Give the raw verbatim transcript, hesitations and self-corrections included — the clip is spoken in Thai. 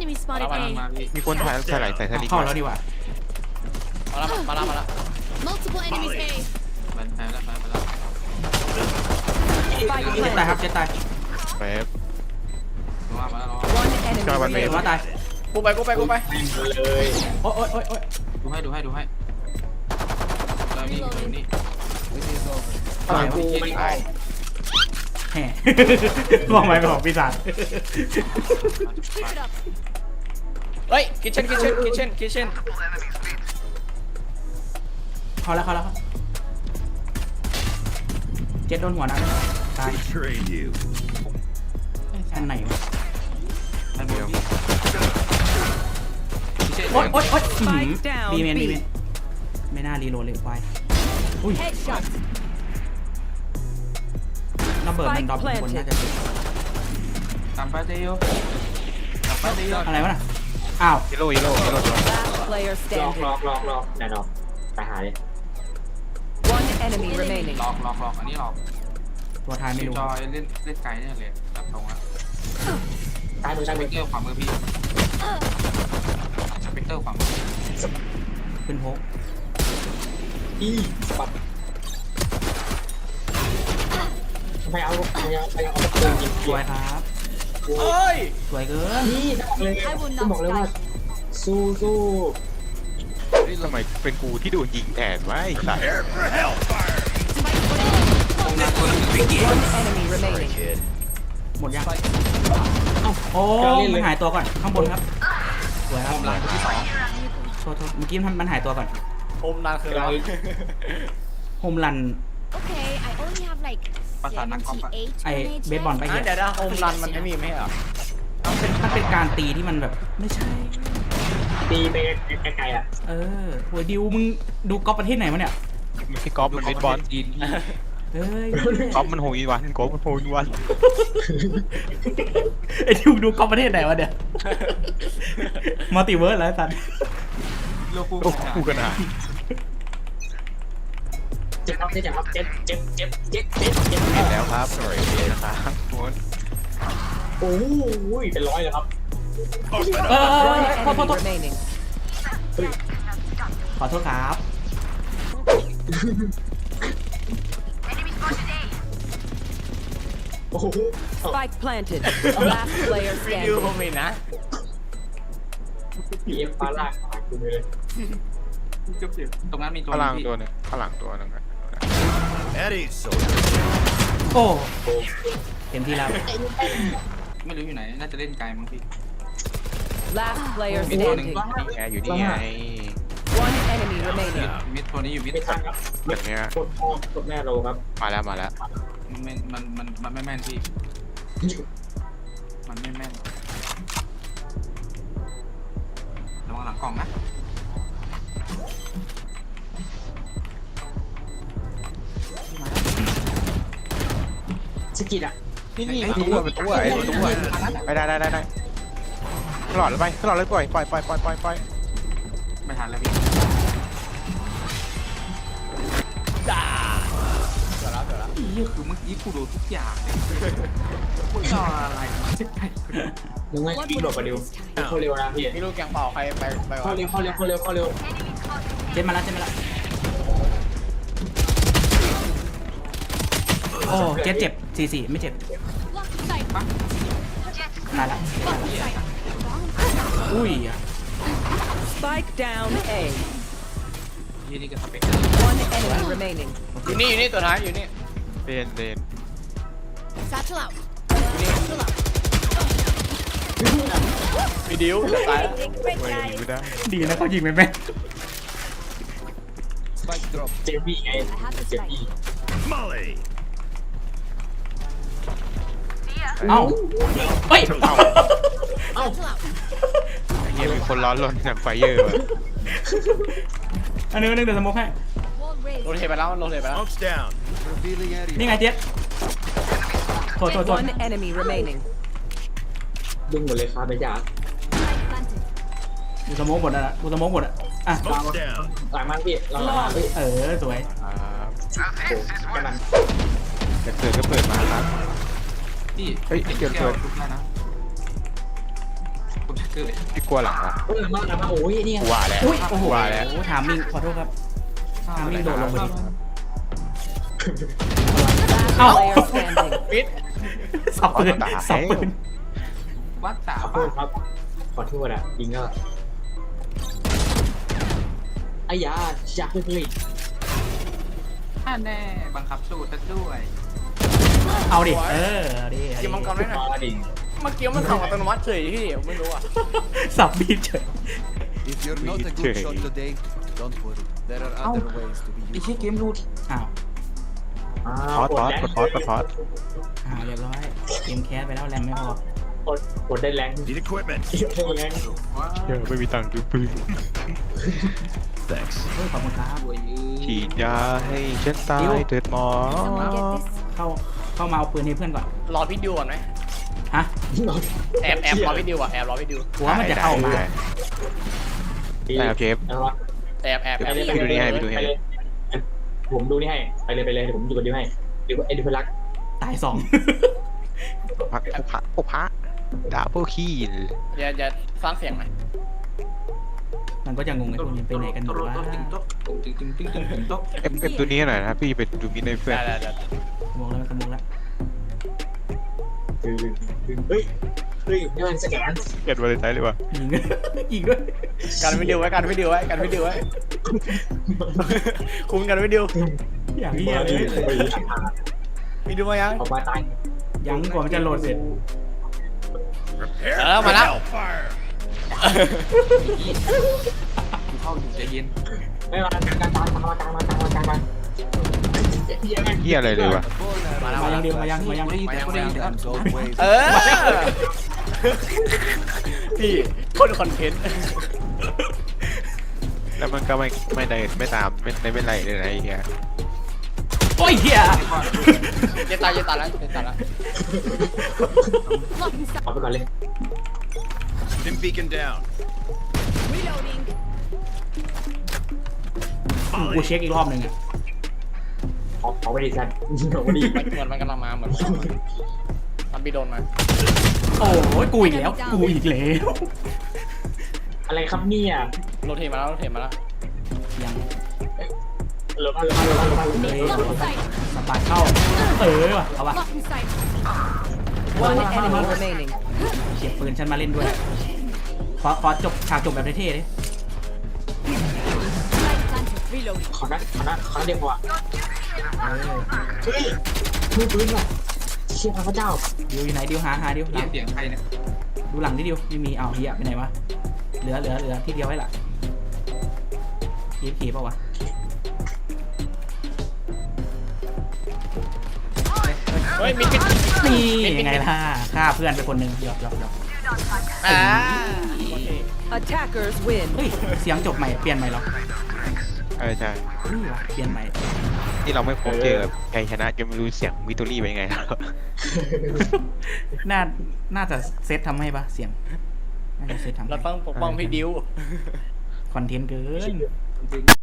enemy มา spotted แล้วมาแล้ว A. มาพี่มีคนถ่ายใส่ไหลใส่สลิงเข้าแล้วดีกว่ามาแล้วมาแล้วมาแล้ว Multiple enemies A. มันหายแล้วหายไปแล้วเจ็ดตายครับเจ็ดตายเป๊ปมามาแล้ว One enemy จอยวันเมเจ็ดฟว่าตายกูไปกูไปกูไปเลยโอ๊ยโอ๊ยโอ๊ยโอ๊ยดูให้ดูให้ดูให้เรานี่เรานี่อะไรกูวะไม่ตายแห่มองไปของปีศาจ Pick it up. เฮ้ยคิทเช่นคิทเช่นคิทเช่นคิทเช่นเข้าแล้วเข้าแล้วครับเจ็ดโดนหัวนะตาย Betrayed you. อันไหนวะมันเดียวคิทเช่นโอ๊ยโอ๊ยโอ๊ย Spike down บีเมน B บีเมนไม่น่ารีโหลดเลยควายอุ้ย Headshot. ระเบิดมันดรอปบนน่าจะเป็นตามไปเดียวตามไปเดียวอะไรวะน่ะอ้าวยิโร่ยิโร่ยิโร่ตัว Last player ลอก standing. ลอกลอกลอกแน่นอนตายหาเลย One enemy remaining. หลอกหลอกหลอกอันนี้หลอกตัวท้ายไม่รู้จอยเล่นเล่นไกลเนี่ยเลยตัดตรงแล้วตายมือสตายเปมือกเตอร์ขวามือพี่สเปกเตอร์ขวามือขึ้นโพกอีปัดไปเอาไปเอาไปเอาตะปูยิงสวยครับเฮ้ยสวยเกินนี่บอกเลยต้องบอกเลยว่าสู้สู้นี่ทำไมเป็นกูที่โดนยิงแทนวะไอ้สัส Prepare for hellfire. One enemy remaining. หมดยังโอ้มันหายตัวก่อนข้างบนครับสวยครับผมหลังที่สองโทษโทษเมื่อกี้มันหายตัวก่อนผมนานคืออะไรโฮมรัน Okay, I only have like ภาษานักกอล์ฟอะ seventy-eight ไอ minutes เบสบอล left. ไปเหี้ยเดี๋ยวนะโฮมรันมันไม่มีไม่เหรอมันเป็นมันเป็นการตีที่มันแบบไม่ใช่ตีไปไกลๆอ่ะเออโหดิวมึงดูก๊อปประเทศไหนวะเนี่ยไม่ใช่กอล์ฟมันเป็นบอลจีนเฮ้ยกอล์ฟมันโหยวันกอล์ฟมันโหยวันไอดิวดูก๊อปประเทศไหนวะเนี่ยมัลติเวิร์สแล้วสัตว์โลกูโอ้กูกันหาเจ็บครับเจ็บครับเจ็บเจ็บเจ็บเจ็บเจ็บเจ็บเห็นแล้วครับสวยดีนะครับทุกคนโอ้ยเป็นร้อยเลยครับเออ One โทษโทษ enemy โทษ remaining. ขอโทษครับโอ้โห Spike planted. Last player ยูผม standing. มีนะพีเอฟฟ้าลากหายกูเลยตรงนั้นมีตัวข้างหลังพี่ตัวหนึงข้างหลังตัวหนึงอะ Eddie, so โอ้เต็มที่แล้วไม่รู้อยู่ไหนน่าจะเล่นไกลมั้งพี่ Last player มีตัวหนึ่ง standing. นี่ไงอยู่นี่ไง One enemy remaining. มิดตัวนี้อยู่มิดไม่ทันครับแบบเนี้ยกดพ่อกดแม่โลครับมาแล้วมาแล้วมันมันมันมันไม่แม่นพี่มันไม่แม่นระวังหลังกล่องนะสกิดอ่ะนี่นี่เป็นตัวเป็นตัวไอ้ตัวไปได้ได้ได้ได้ตลอดเลยไปตลอดเลยปล่อยปล่อยปล่อยปล่อยปล่อยปล่อยไม่ทันแล้วพี่จ้าเกิดแล้วเกิดแล้วนี่คือเมื่อกี้กูดูทุกอย่างเลยมึงจะอะไรมาจะไปยังไงวิ่งหลบไปเร็วเข้าเร็วนะพี่พี่ลูกแกงเป่าใครไปไปเข้าเร็วเข้าเร็วเข้าเร็วเข้าเร็วเจ็ดมาแล้วเจ็ดมาแล้วโอ้เจ็ดเจ็บสี่สี่ไม่เจ็บ Lock in sight. ตายละ Lock in sight. อุ้ยอ่ะ Spike down A. ยี่นี่ก็สเปก One enemy remaining. อยู่นี่อยู่นี่ตัวท้ายอยู่นี่เดนเดน Satchel out. Satchel out. มีดิวจะตายแล้ว Big red ไว้ guys. ไม่ได้ดีนะเขายิงไม่แม่นเจมี่ไงเจมี่ Molly. เอ้าเฮ้ยเอ้า Satchel out. ไอ้เหี้ยมีคนร้อนรนจากไฟเยอร์ว่ะอันนี้ก็นึกเดี๋ยวสโมกให้ Wall raised. โรเทไปแล้วโรเทไปแล้ว Smoke's down. นี่ไงเจ็ดโทษโทษโทษ One enemy remaining. ดึงหมดเลยครับไปจ้า Light planted. กูสโมกหมดอ่ะกูสโมกหมดอ่ะอ่ะ Smoke's down. หลังมันพี่เราหลังมันพี่เออสวยครับโอ้แค่นั้นจะเปิดก็เปิดมาครับพี่เฮ้ยเกิดเกิดทุกท่านะผมจะเกิดคือพี่กลัวหลังละเฮ้ยมามาโอ้ยนี่กลัวแล้วอุ้ยโอ้โหกลัวแล้วถามมิงขอโทษครับถามมิงโดดลงไปดิ Last player standing. ปิดสับปืนสับปืนวัดสาขอโทป่ะษครับขอโทษอ่ะยิงก็ไอ้ยาอยากเลยอ่าแน่บังคับสูตรซะด้วยเอาดิเออเอาดิเอากินมังกรได้หน่อยมาดิเมื่อกี้มันส่องอัตโนมัติเฉยพี่ไม่รู้อ่ะสับบีบเฉย If you're not a good shot today, don't worry. There are other ways to be ไอ้เชี่ย useful. เกมรูดอ้าวพอดพอดกดพอดกดพอดอ่าเรียบร้อยเกมแคสไปแล้วแรมไม่พอกดกดได้แรง Need equipment. แรงว้าเดี๋ยวไม่มีตังค์ซื้อปืน Thanks. เฮ้ยขอบคุณครับสวยยืฉีดยาให้ฉันตายเถิดหมอ Someone get this? เข้าเข้ามาเอาปืนให้เพื่อนก่อนรอพี่ดิวก่อนไหมฮะแอบแอบรอพี่ดิวอ่ะแอบรอพี่ดิวหัวมันจะเข้ามาได้ได้ครับเชฟแอบแอบแอบพี่ดูนี่ให้พี่ดูนี่ให้ผมดูนี่ให้ไปเลยไปเลยเดี๋ยวผมดูกันดูให้ดูไอ้ดิพลักตายสองพักโอพะโอพะดาบเบิลคีนอย่าอย่าสร้างเสียงไหมมันก็จะงงไอ้พวกนี้ไปไหนกันหมดวะติ๊งต๊อกติ๊งติ๊งติ๊งติ๊งติ๊งต๊อกเอฟเอฟตัวนี้หน่อยนะพี่ไปดูมิดในเพื่อนได้ได้ได้สมองแล้วสมองแล้วคือเฮ้ยเฮ้ยนี่มันสแกนเกิดวันเลยใจเลยวะยิง ยิงด้วยกันพี่ดิวไว้กันพี่ดิวไว้กันพี่ดิวไว้คุมกันพี่ดิวอย่างเงี้ยเลยพี่ดิวมายังออกมาตายยังกว่ามันจะโหลดเสร็จ Prepare Ờ, for mà lắm. hellfire. กูเข้าอยู่ใจเย็นไม่มากลางกลางกลางมากลางมากลางมากลางมาเฮียอะไรเลยวะมาแล้วมามายังแล้วเดียวมายังมายังกูได้ยินแต่กูได้ยินแต่ Sometimes old ways เออพี่คนคอนเทนต์แล้วมันก็ไม่ไม่ได้ไม่ตามไม่ไม่เป็นไรเลยนะไอ้เฮียโอ้ยเฮียเย็นตายเย็นตายแล้วเย็นตายแล้ว Blocking sight. เอาไปก่อนเลย Stim beacon down. Reloading. กูเช็คอีกรอบหนึ่งอ่ะออกออกไปดิสันออกไปดิมันเหมือนมันกำลังมาเหมือนมันพี่โดนมาโอ้ยกูอีกแล้วกูอีกแล้วอะไรครับเนี่ยโรเทมาแล้วโรเทมาแล้วยังลงมาลงมาลงมาลงมา Blocking sight. สปาร์เข้าเออว่ะเอาว่ะ Blocking sight. One enemy remaining. เก็บปืนฉันมาเล่นด้วยขอขอจบฉากจบแบบเท่ๆดิ Light planted. Reloading. ขอนัดขอนัดขอนัดเดียวพอเออเฮ้ยมือปืนว่ะเชี่ยพระเจ้าดิวอยู่ไหนดิวหาหาดิวหเสีลัยงงเสียงใครเนี่ยดูหลังดิดิวไม่มีเอาเฮียไปไหนวะเหลือเหลือเหลือที่เดียวไว้ล่ะเอฟเคป่าวะเฮ้ยมิดมิดนี่ยังไงล่ะฆ่าเพื่อนไปคนหนึ่งหยอกหยอกหยอกอ่า Attackers win. เฮ้ยเสียงจบใหม่เปลี่ยนใหม่เหรอใช่ใช่นี่วะเปลี่ยนใหม่ที่เราไม่พบเจอใครชนะจะไม่รู้เสียงวิตอรี่เป็นยังไงแล้วน่าน่าจะเซตทำให้ปะเสียงน่าจะเซตทำให้เราต้องปกป้องพี่ดิวคอนเทนต์เกินจริง